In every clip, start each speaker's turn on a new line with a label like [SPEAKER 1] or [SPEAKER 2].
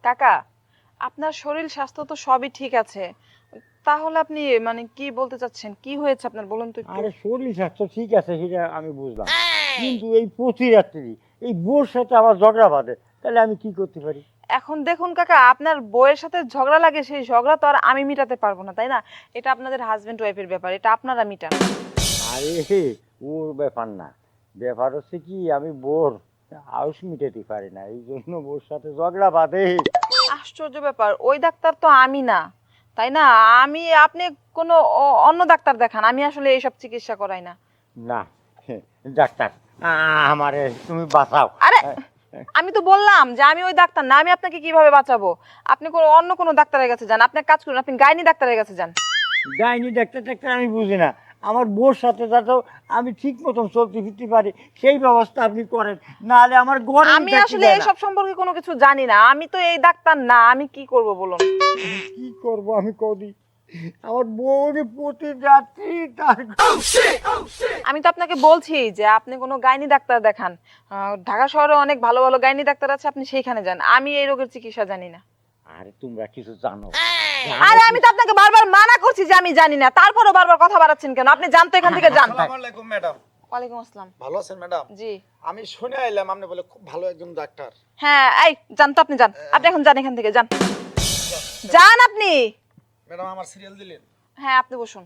[SPEAKER 1] কাকা, আপনার শরীর স্বাস্থ্য তো সবই ঠিক আছে, তাহলে আপনি মানে কি বলতে চাচ্ছেন? কি হয়েছে আপনার বলুন তো একটু।
[SPEAKER 2] আরে শরীর স্বাস্থ্য ঠিক আছে সেটা আমি বুঝলাম, কিন্তু এই প্রতি রাত্রি এই বউর সাথে আমার ঝগড়া বাঁধে, তাহলে আমি কি করতে পারি?
[SPEAKER 1] এখন দেখুন কাকা, আপনার বউয়ের সাথে ঝগড়া লাগে, সেই ঝগড়া তো আর আমি মিটাতে পারবো না, তাই না? এটা আপনাদের হাজবেন্ড ওয়াইফের ব্যাপার, এটা আপনারা মিটান।
[SPEAKER 2] আরে ওর ব্যাপার না, ব্যাপার হচ্ছে কি আমি বোর হাউস মিটাতে পারি না, এই জন্য বউর সাথে ঝগড়া বাঁধে।
[SPEAKER 1] আশ্চর্য ব্যাপার, ওই ডাক্তার তো আমি না, তাই না? আপনি কোনো অন্য ডাক্তার দেখান, আমি আসলে এইসব চিকিৎসা করাই না।
[SPEAKER 2] না ডাক্তার, আমারে তুমি বাঁচাও।
[SPEAKER 1] আরে আমি তো বললাম যে আমি ওই ডাক্তার না, আমি আপনাকে কিভাবে বাঁচাবো? আপনি অন্য কোনো ডাক্তারের কাছে যান, আপনি এক কাজ করুন, আপনি গাইনি ডাক্তারের কাছে যান।
[SPEAKER 2] গাইনি ডাক্তার টাক্তার আমি বুঝি না, আমার বউর সাথে যাতে আমি ঠিক মতন চলতে ফিরতে পারি সেই ব্যবস্থা আপনি করেন, নাহলে আমার ঘরে
[SPEAKER 1] আমি আসলে এইসব সম্পর্কে কোনো কিছু জানি না, আমি তো এই ডাক্তার না, আমি কি করব বলুন?
[SPEAKER 2] কি করব আমি কদি, আমার বউরে প্রতি রাত্রি তার
[SPEAKER 1] আমি তো আপনাকে বলছি যে আপনি কোনো গাইনি ডাক্তার দেখান, ঢাকা শহরে অনেক ভালো ভালো গাইনি ডাক্তার আছে, আপনি সেইখানে যান, আমি এই রোগের চিকিৎসা জানি না।
[SPEAKER 2] আরে তোমরা কিছু জানো?
[SPEAKER 1] আরে আমি তো আপনাকে বারবার মানা করছি যে আমি জানি না, তারপরও বারবার কথা বাড়াচ্ছেন কেন? আপনি জানতো এখান থেকে যান।
[SPEAKER 3] আসসালামু আলাইকুম ম্যাডাম।
[SPEAKER 1] ওয়ালাইকুম আসসালাম।
[SPEAKER 3] ভালো আছেন ম্যাডাম?
[SPEAKER 1] জি
[SPEAKER 3] আমি শুনে আইলাম আপনি বলে খুব ভালো একজন ডাক্তার।
[SPEAKER 1] হ্যাঁ, এই যান তো, আপনি যান, আপনি এখন যান এখান থেকে, যান যান আপনি।
[SPEAKER 3] ম্যাডাম আমার সিরিয়াল দিলেন?
[SPEAKER 1] হ্যাঁ, আপনি বসুন।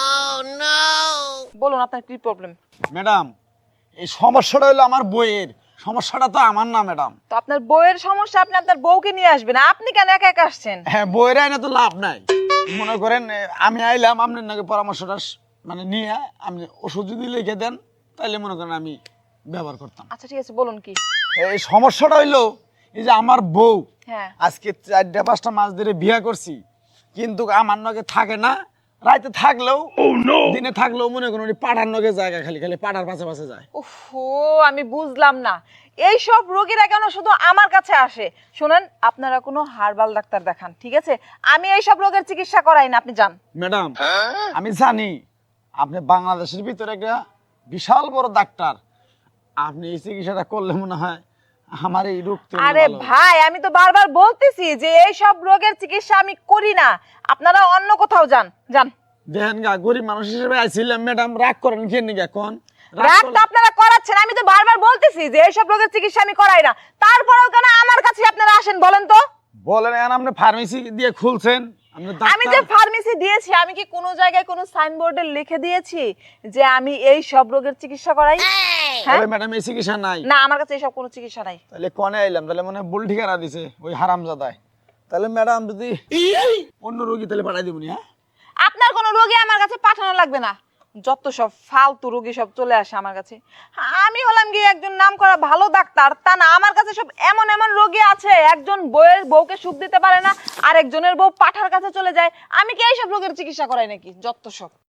[SPEAKER 1] বলুন আপনার কি প্রবলেম?
[SPEAKER 3] ম্যাডাম এই সমস্যাটা হলো আমার বইয়ের, সমস্যাটা তো আমার না ম্যাডাম।
[SPEAKER 1] তো আপনার বউয়ের সমস্যা, আপনি আপনার বউকে নিয়ে আসবেন, আপনি কেন একা একা আসছেন?
[SPEAKER 3] হ্যাঁ বইয়ের আইনে তো লাভ নাই। মনে করেন আমি আইলাম আপনার নাকি পরামর্শটা মানে নিয়ে আপনি ওষুধ যদি লিখে দেন তাহলে মনে করেন আমি ব্যবহার করতাম।
[SPEAKER 1] আচ্ছা ঠিক আছে, বলুন কি?
[SPEAKER 3] এই সমস্যাটা হইলো এই যে আমার বউ
[SPEAKER 1] হ্যাঁ।
[SPEAKER 3] আজকে 4-5টা মাস ধরে বিয়ে করছি, কিন্তু আমার নগে থাকে না, রাতে থাকলেও দিনে থাকলেও মনে করেন উনি পাড়ার নগে জায়গা খালি খালি পাড়ার পাশে পাশে যায়।
[SPEAKER 1] ওহো, আমি বুঝলাম না, এই সব রোগীরা কেন শুধু আমার কাছে আসে? শুনেন, আপনারা কোনো হার্বাল ডাক্তার দেখান, ঠিক আছে? আমি এই সব রোগের চিকিৎসা করাই না, আপনি যান।
[SPEAKER 3] ম্যাডাম আমি জানি আপনি বাংলাদেশের ভিতরে একটা বিশাল বড় ডাক্তার, আপনি এই চিকিৎসাটা করলে মনে হয় আমার এই রোগ থেকে
[SPEAKER 1] আরে
[SPEAKER 3] ভালো হবে।
[SPEAKER 1] ভাই, আমি তো বারবার বলতেছি যে এই সব রোগের চিকিৎসা আমি করি না, আপনারা অন্য কোথাও যান, যান।
[SPEAKER 3] দেখেন গা গরিব মানুষ হিসেবে আইছিলাম ম্যাডাম, রাগ করেন কেন নাকি এখন?
[SPEAKER 1] রাগ তো আপনারা করাচ্ছেন, আমি তো বারবার বলতেছি যে এই সব রোগের চিকিৎসা আমি করাই না, তারপরেও কেন আমার কাছে আপনারা আসেন বলেন তো?
[SPEAKER 3] বলেন এখন আপনি ফার্মেসি দিয়ে খুলছেন, আপনি
[SPEAKER 1] আমি যে
[SPEAKER 3] ডাক্তার।
[SPEAKER 1] ফার্মেসি দিয়েছি, আমি কি কোনো জায়গায় কোনো সাইনবোর্ডে লিখে দিয়েছি যে আমি এই সব রোগের চিকিৎসা করাই? হ্যাঁ?
[SPEAKER 3] তবে ম্যাডাম এই চিকিৎসা নাই।
[SPEAKER 1] না, আমার কাছে এইসব কোনো চিকিৎসা নাই।
[SPEAKER 3] তাহলে কনে আইলাম, তাহলে মনে হয় ভুল ঠিকানা দিছে ওই হারামজাদায়। তাহলে ম্যাডাম যদি অন্য রোগী তাহলে পাঠাই দিবনি। হ্যাঁ
[SPEAKER 1] আপনার কোনো রোগী আমার কাছে পাঠানো লাগবে না, যত সব ফালতু রোগী সব চলে আসে আমার কাছে। আমি হলাম গিয়ে একজন নামকরা ভালো ডাক্তার, তা না আমার কাছে সব এমন এমন রোগী আছে, একজন বউকে সুখ দিতে পারে না, আর একজনের বউ পাঠার কাছে চলে যায়। আমি কি এইসব রোগের চিকিৎসা করাই নাকি? যত সব।